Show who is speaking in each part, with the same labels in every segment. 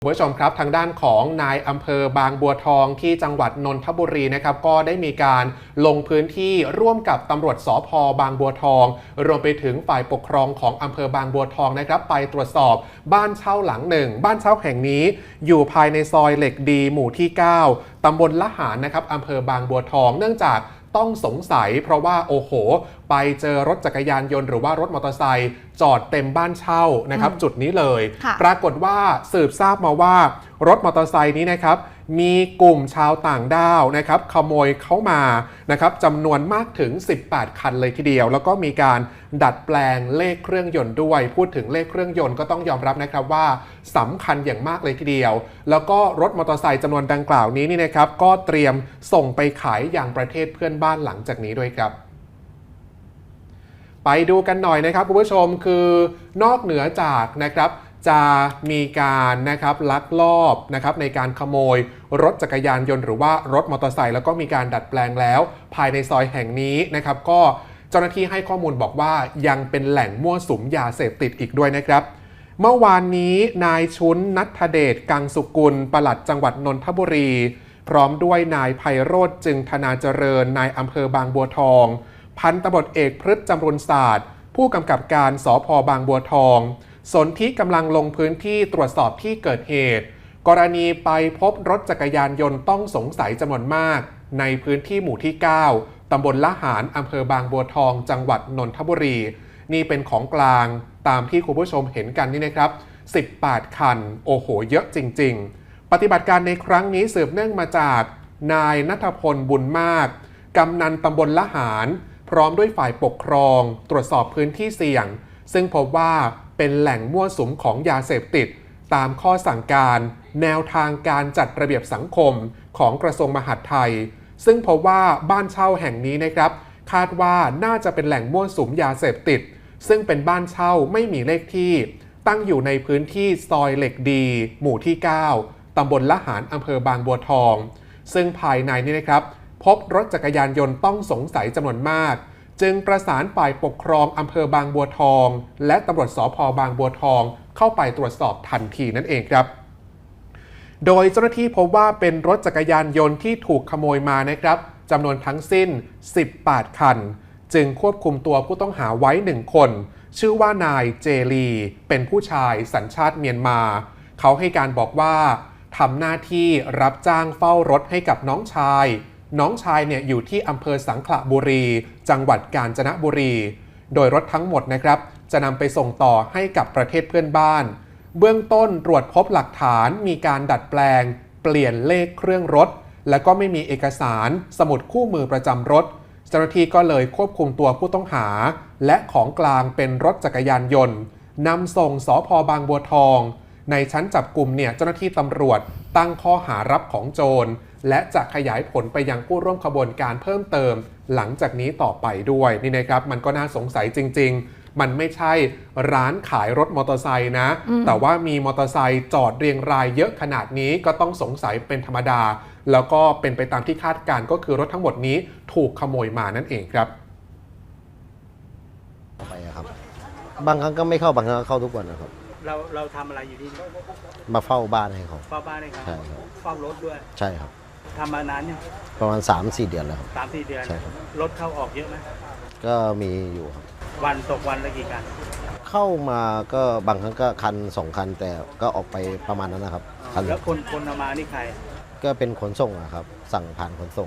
Speaker 1: คุณผู้ชมครับทางด้านของนายอำเภอบางบัวทองที่จังหวัดนนทบุรีนะครับก็ได้มีการลงพื้นที่ร่วมกับตำรวจสภ.บางบัวทองรวมไปถึงฝ่ายปกครองของอำเภอบางบัวทองนะครับไปตรวจสอบบ้านเช่าหลังหนึ่งบ้านเช่าแห่งนี้อยู่ภายในซอยเหล็กดีหมู่ที่ 9 ตำบลละหารนะครับอำเภอบางบัวทองเนื่องจากต้องสงสัยเพราะว่าโอ้โหไปเจอรถจักรยานยนต์หรือว่ารถมอเตอร์ไซค์จอดเต็มบ้านเช่านะครับจุดนี้เลยปรากฏว่าสืบทราบมาว่ารถมอเตอร์ไซค์นี้นะครับมีกลุ่มชาวต่างด้าวนะครับขโมยเข้ามานะครับจำนวนมากถึง18คันเลยทีเดียวแล้วก็มีการดัดแปลงเลขเครื่องยนต์ด้วยพูดถึงเลขเครื่องยนต์ก็ต้องยอมรับนะครับว่าสำคัญอย่างมากเลยทีเดียวแล้วก็รถมอเตอร์ไซค์จำนวนดังกล่าวนี้นี่นะครับก็เตรียมส่งไปขายอย่างประเทศเพื่อนบ้านหลังจากนี้ด้วยครับไปดูกันหน่อยนะครับคุณผู้ชมคือนอกเหนือจากนะครับจะมีการนะครับลักลอบนะครับในการขโมยรถจักรยานยนต์หรือว่ารถมอเตอร์ไซค์แล้วก็มีการดัดแปลงแล้วภายในซอยแห่งนี้นะครับก็เจ้าหน้าที่ให้ข้อมูลบอกว่ายังเป็นแหล่งมั่วสุมยาเสพติดอีกด้วยนะครับเมื่อวานนี้นายชุนณัฐเดชกังสุกุลปลัดจังหวัดนนทบุรีพร้อมด้วยนายไพโรจน์จึงธนาเจริญนายอำเภอบางบัวทองพันตำรวจเอกพฤษจำรุนศาสตร์ผู้กำกับการสภ.บางบัวทองสนธิกำลังลงพื้นที่ตรวจสอบที่เกิดเหตุกรณีไปพบรถจักรยานยนต์ต้องสงสัยจำนวนมากในพื้นที่หมู่ที่ 9 ตำบลละหารอำเภอบางบัวทองจังหวัดนนทบุรีนี่เป็นของกลางตามที่คุณผู้ชมเห็นกันนี่นะครับ18คันโอ้โหเยอะจริงๆปฏิบัติการในครั้งนี้สืบเนื่องมาจากนายณัฐพลบุญมากกำนันตำบลละหารพร้อมด้วยฝ่ายปกครองตรวจสอบพื้นที่เสี่ยงซึ่งพบว่าเป็นแหล่งมั่วสุมของยาเสพติดตามข้อสั่งการแนวทางการจัดระเบียบสังคมของกระทรวงมหาดไทยซึ่งพบว่าบ้านเช่าแห่งนี้นะครับคาดว่าน่าจะเป็นแหล่งมั่วสุมยาเสพติดซึ่งเป็นบ้านเช่าไม่มีเลขที่ตั้งอยู่ในพื้นที่ซอยเหล็กดีหมู่ที่ 9 ตำบลละหารอำเภอบางบัวทองซึ่งภายในนี้นะครับพบรถจักรยานยนต์ต้องสงสัยจำนวนมากจึงประสานฝ่ายปกครองอำเภอบางบัวทองและตำรวจสภ.บางบัวทองเข้าไปตรวจสอบทันทีนั่นเองครับโดยเจ้าหน้าที่พบว่าเป็นรถจักรยานยนต์ที่ถูกขโมยมานะครับจำนวนทั้งสิ้น18คันจึงควบคุมตัวผู้ต้องหาไว้1คนชื่อว่านายเจลีเป็นผู้ชายสัญชาติเมียนมาเขาให้การบอกว่าทำหน้าที่รับจ้างเฝ้ารถให้กับน้องชายเนี่ยอยู่ที่อำเภอสังขละบุรีจังหวัดกาญจนบุรีโดยรถทั้งหมดนะครับจะนำไปส่งต่อให้กับประเทศเพื่อนบ้านเบื้องต้นตรวจพบหลักฐานมีการดัดแปลงเปลี่ยนเลขเครื่องรถและก็ไม่มีเอกสารสมุดคู่มือประจำรถเจ้าหน้าที่ก็เลยควบคุมตัวผู้ต้องหาและของกลางเป็นรถจักรยานยนต์นำส่งสภ.บางบัวทองในชั้นจับกุมเนี่ยเจ้าหน้าที่ตำรวจตั้งข้อหารับของโจรและจะขยายผลไปยังผู้ร่วมขบวนการเพิ่มเติมหลังจากนี้ต่อไปด้วยนี่นะครับมันก็น่าสงสัยจริงๆมันไม่ใช่ร้านขายรถมอเตอร์ไซค์นะแต่ว่ามีมอเตอร์ไซค์จอดเรียงรายเยอะขนาดนี้ก็ต้องสงสัยเป็นธรรมดาแล้วก็เป็นไปตามที่คาดการณ์ก็คือรถทั้งหมดนี้ถูกขโมยมานั่นเองครับ
Speaker 2: ไปครับบางครั้งก็ไม่เข้าบางครั้งก็เข้าทุกวันนะครับ
Speaker 3: เราทำอะไรอยู่ที่นี่
Speaker 2: มาเฝ้าบ้านให้เขา
Speaker 3: เฝ้าบ้านให้เขา
Speaker 2: ใช่ครับ
Speaker 3: เฝ้ารถด้วย
Speaker 2: ใช่ครับ
Speaker 3: ทำมานานเนี่ย
Speaker 2: ประมาณ 3-4 เดือนแล้วครับ
Speaker 3: 3-4 เดือน
Speaker 2: ใช่ครับ
Speaker 3: รถเข้าออกเยอะไหม
Speaker 2: ก็มีอยู่ครับ
Speaker 3: วันตกวันละกี่คัน
Speaker 2: เข้ามาก็บางครั้งก็คัน2คันแต่ก็ออกไปประมาณนั้นนะครับ
Speaker 3: แล้วคนเอามานี่ใคร
Speaker 2: ก็เป็นขนส่งอะครับสั่งผ่านขนส่ง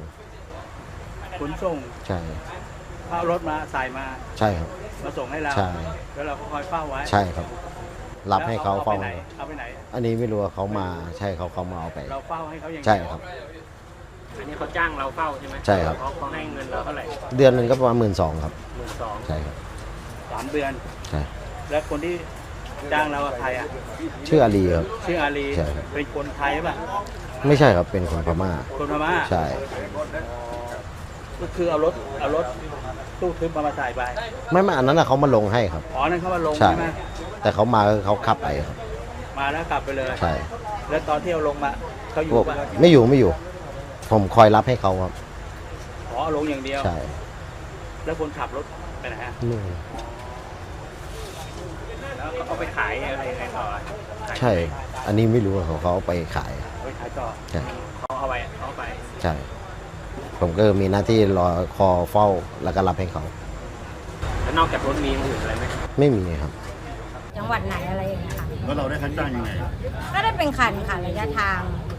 Speaker 2: ใช่
Speaker 3: เอารถมาใส่มา
Speaker 2: ใช่ครับ
Speaker 3: มาส่งให้เรา
Speaker 2: ใช่
Speaker 3: แล้วเราก็คอยเฝ้าไว้
Speaker 2: ใช่ครับรับให้เขาเฝ้า
Speaker 3: เอาไปไหน
Speaker 2: อันนี้ไม่รู้ว่าเขามาใช่เขามาเอาไป
Speaker 3: เราเฝ้าให้เขาอย่าง
Speaker 2: ใช่ครับ
Speaker 3: อันนี้เขาจ้างเราเฝ้าใช่ไหม
Speaker 2: ใช่ครับ
Speaker 3: เขาให้เงินเราเท่าไหร่
Speaker 2: เดือนนึงก็ประมาณ12,000 ครับ
Speaker 3: 12,000
Speaker 2: ใช่ครับ
Speaker 3: 3 เดือน
Speaker 2: ใช่
Speaker 3: แล้วคนที่จ้างเราใครอ่ะ
Speaker 2: ชื่ออาลีครับ
Speaker 3: ชื่ออาลี
Speaker 2: ใช่
Speaker 3: เป็นคนไทยป่ะ
Speaker 2: ไม่ใช่ครับเป็นคนพม่าใช่
Speaker 3: ก็คือเอารถตู้ทึบมาใส่ไป
Speaker 2: ไม่อันนั้นเขามาลงให้ครับ
Speaker 3: นั่นเขามาลงใช่ไหม
Speaker 2: แต่เขามาเขาขับไปครับ
Speaker 3: มาแล้วกลับไปเลย
Speaker 2: ใช่
Speaker 3: แล้วตอนที่เอาลงมาเขาอยู่ป่ะ
Speaker 2: ไม่อยู่ผมคอยรับให้เขาครับ
Speaker 3: ลงอย่างเดียว
Speaker 2: ใช่
Speaker 3: แล้วคนขับรถไปไหนฮะแล้วเอาไปขายอะไรต่อ
Speaker 2: ใช่อันนี้ไม่รู้เขาเอาไปขาย
Speaker 3: ไปขายต่อ
Speaker 2: ใช่
Speaker 3: เขาเอาไป
Speaker 2: ใช่ ผมก็มีหน้าที่รอคอเฝ้าแล้วก็รับให้เขา
Speaker 3: แล้วนอกจากรถมีอย่างอื่นอะไรไหม
Speaker 2: ไม่มีครับ
Speaker 4: จังหวัดไหนอะไรอย่างเงี้ยค่ะ
Speaker 5: แล้วเราได้ค่าจ้างยังไง
Speaker 4: ก็ได้เป็นคันค่ะระยะทาง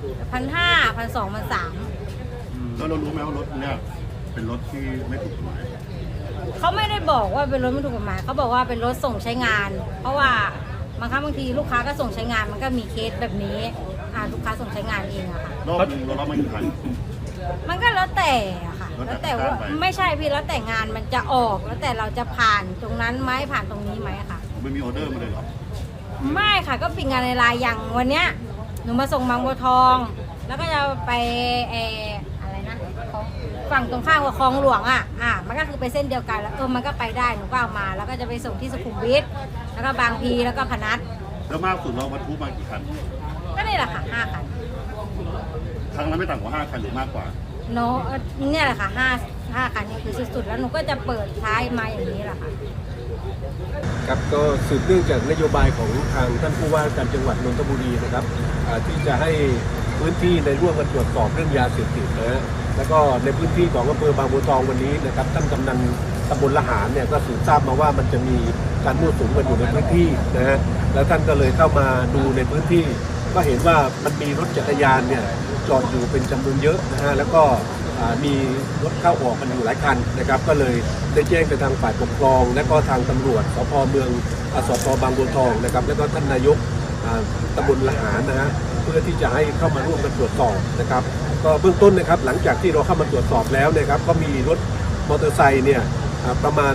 Speaker 4: 1,500 1,200 1,300
Speaker 5: แล้วเรารู้ไหมว่ารถเนี่ยเป็นรถที่ไม่ถูกกฎหมาย
Speaker 4: เขาไม่ได้บอกว่าเป็นรถไม่ถูกกฎหมายเขาบอกว่าเป็นรถส่งใช้งาน เพราะว่าบางครั้งบางทีลูกค้าก็ส่งใช้งานมันก็มีเคสแบบนี้ลูกค้าส่งใช้งานเองอะค่ะ
Speaker 5: รอบหนึงเรารับมากี่คัน
Speaker 4: มันก็แล้วแต่อะค่ะ
Speaker 5: แล้
Speaker 4: แล้ว ว
Speaker 5: แต่
Speaker 4: แต่ว่า
Speaker 5: การไป
Speaker 4: ไม่ใช่พี่แล้วแต่งานมันจะออกแล้วแต่เราจะผ่านตรงนั้นไหมผ่านตรงนี้ไหมอะค่ะ
Speaker 5: ไม่มีออเดอร์มาเลยเหรอ
Speaker 4: ไม่ค่ะก็ปิดงานในไลน์อย่างวันเนี้ยหนูมาส่งบางบัวทอง แล้วก็จะไปอะไรนะของฝั่งตรงข้ามกับคลองหลวงมันก็คือไปเส้นเดียวกันแล้วมันก็ไปได้หนูก็เอามา แล้วก็จะไปส่งที่สุขุมวิทแล้วก็บางพีแล้วก็พนัส
Speaker 5: แล้วมากสุดเราบรรทุกมากี่คัน
Speaker 4: ก็นี่แหละค่ะ5 คัน
Speaker 5: ครั้งละไม่ต่ำกว่า5คันหรือมากกว่า
Speaker 4: โนเนี่ยแหละค่ะ5 คันนี่คือสุดๆแล้วหนูก็จะเปิดท้ายมาอย่างนี้แหละค่ะ
Speaker 6: ครับก็สืบเนื่องจากนโยบายของทางท่านผู้ว่าการจังหวัดนนทบุรีนะครับที่จะให้พื้นที่ในร่วมกันตรวจสอบเรื่องยาเสพติดนะฮะแล้วก็ในพื้นที่ของอำเภอบางบัวทองวันนี้นะครับท่านกำนันตำบลละหารเนี่ยก็สืบทราบมาว่ามันจะมีการมั่วสุมกันอยู่ในพื้นที่นะฮะแล้วท่านก็เลยเข้ามาดูในพื้นที่ ก็เห็นว่ามันมีรถจักรยานเนี่ยจอดอยู่เป็นจำนวนเยอะนะฮะแล้วก็มีรถเข้าออกกันอยู่หลายคันนะครับก็เลยได้แจ้งไปทางฝ่ายปกครอง และก็ทางตำรวจสพเมืองสพบางบัวทองนะครับแล้วก็ท่านนายกตำบลละหารนะฮะเพื่อที่จะให้เข้ามาร่วมกันตรวจสอบนะครับก็เบื้องต้นนะครับหลังจากที่เราเข้ามาตรวจสอบแล้วนะครับก็มีรถมอเตอร์ไซค์เนี่ยประมาณ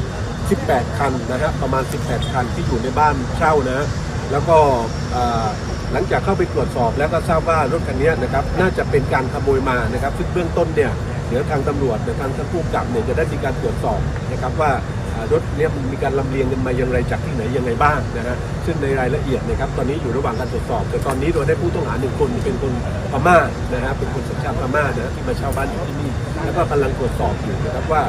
Speaker 6: 18 คันนะฮะประมาณ18 คันที่อยู่ในบ้านเช่านะแล้วก็หลังจากเข้าไปตรวจสอบแล้วก็ทราบว่ารถคันนี้นะครับน่าจะเป็นการขโมยมานะครับซึ่งเบื้องต้นเนี่ยเดี๋ยวทางตำรวจทางท่านผู้กำกับเนี่ยจะได้มีการตรวจสอบนะครับว่ารถเนี้ยมันมีการลำเลียงกันมาอย่างไรจากที่ไหนยังไงบ้างนะฮะซึ่งในรายละเอียดนะครับตอนนี้อยู่ระหว่างการตรวจสอบแต่ตอนนี้เราได้ผู้ต้องหา1 คนเป็นคนพม่านะฮะเป็นคนสัญชาติพม่านะที่มาเช่าบ้านอยู่ที่นี่แล้วก็กำลังตรวจสอบอยู่นะครับว่า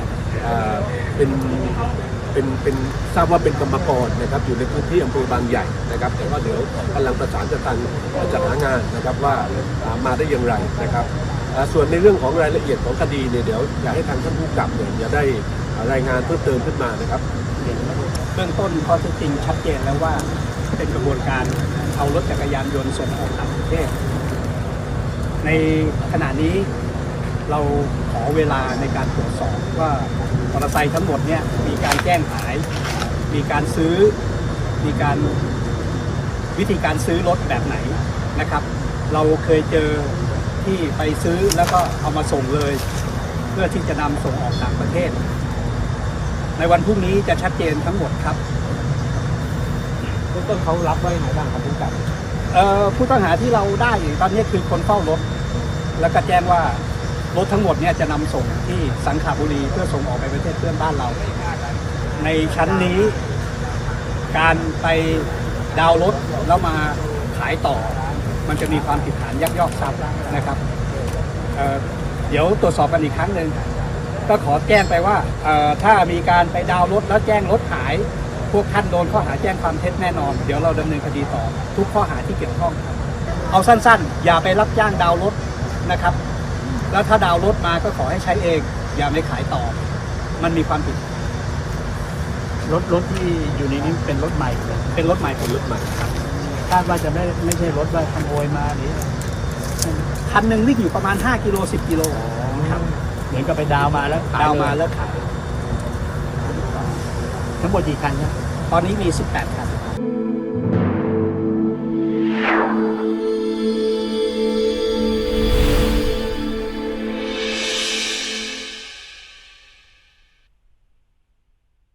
Speaker 6: เป็นทราบว่าเป็นกรรมกรนะครับอยู่ในพื้นที่อำเภอบางใหญ่นะครับแต่ว่าเดี๋ยวกำลังประสานกับทางจัดหางานนะครับว่ามาได้อย่างไรนะครับส่วนในเรื่องของรายละเอียดของคดีเนี่ยเดี๋ยวอยากให้ทางท่านผู้กำกับเนี่ยจะได้รายงานเพิ่มเติมขึ้นมานะครับ
Speaker 7: เบื้องต้นข้อเท็จจริงชัดเจนแล้วว่าเป็นกระบวนการเอารถจักรยานยนต์ส่งออกต่างประเทศ ในขณะนี้เราขอเวลาในการตรวจสอบว่ามอเตอร์ไซค์ทั้งหมดเนี่ยมีการแจ้งขาย มีการซื้อมีการวิธีการซื้อรถแบบไหนนะครับ เราเคยเจอที่ไปซื้อแล้วก็เอามาส่งเลย เพื่อที่จะนำส่งออกต่างประเทศ ในวันพรุ่งนี้จะชัดเจนทั้งหมดครับ
Speaker 3: เบื้องต้นเขารับไว้ไหนบ้างครับผู้กำกับ
Speaker 7: ผู้ต้องหาที่เราได้อยู่ตอนนี้คือคนเฝ้ารถ แล้วก็แจ้งว่ารถทั้งหมดเนี่ยจะนำส่งที่สังขบุรีเพื่อส่งออกไปประเทศเพื่อนบ้านเรา ในชั้นนี้การไปดาวน์รถแล้วมาขายต่อ มันจะมีความผิดฐานยักยอกทรัพย์นะครับเดี๋ยวตรวจสอบกันอีกครั้งหนึ่งก็ขอแจ้งไปว่าถ้ามีการไปดาวน์รถแล้วแจ้งรถหาย พวกท่านโดนข้อหาแจ้งความเท็จแน่นอนเดี๋ยวเราดำเนินคดีต่อทุกข้อหาที่เกี่ยวข้องครับเอาสั้นๆอย่าไปรับจ้างดาวน์รถนะครับแล้วถ้าดาวน์รถมาก็ขอให้ใช้เองอย่าไปขายต่อมันมีความผิด
Speaker 3: รถที่อยู่ในนี้เป็นรถใหม่เลย
Speaker 7: เป็นรถใหม่เป็นรถใหม่ครับ
Speaker 3: คาดว่าจะไม่ใช่รถว่าขโมยมาหรือ
Speaker 7: คันหนึ่งวิ่งอยู่ประมาณ5กิโล10กิโลครับ
Speaker 3: เหมือนกับไปดาวมาแล้วขาย
Speaker 7: ดาวน์มา
Speaker 3: เลย
Speaker 7: แล้วขาย
Speaker 3: ทั้งหมดกี่คันครับ
Speaker 7: ตอนนี้มี18คัน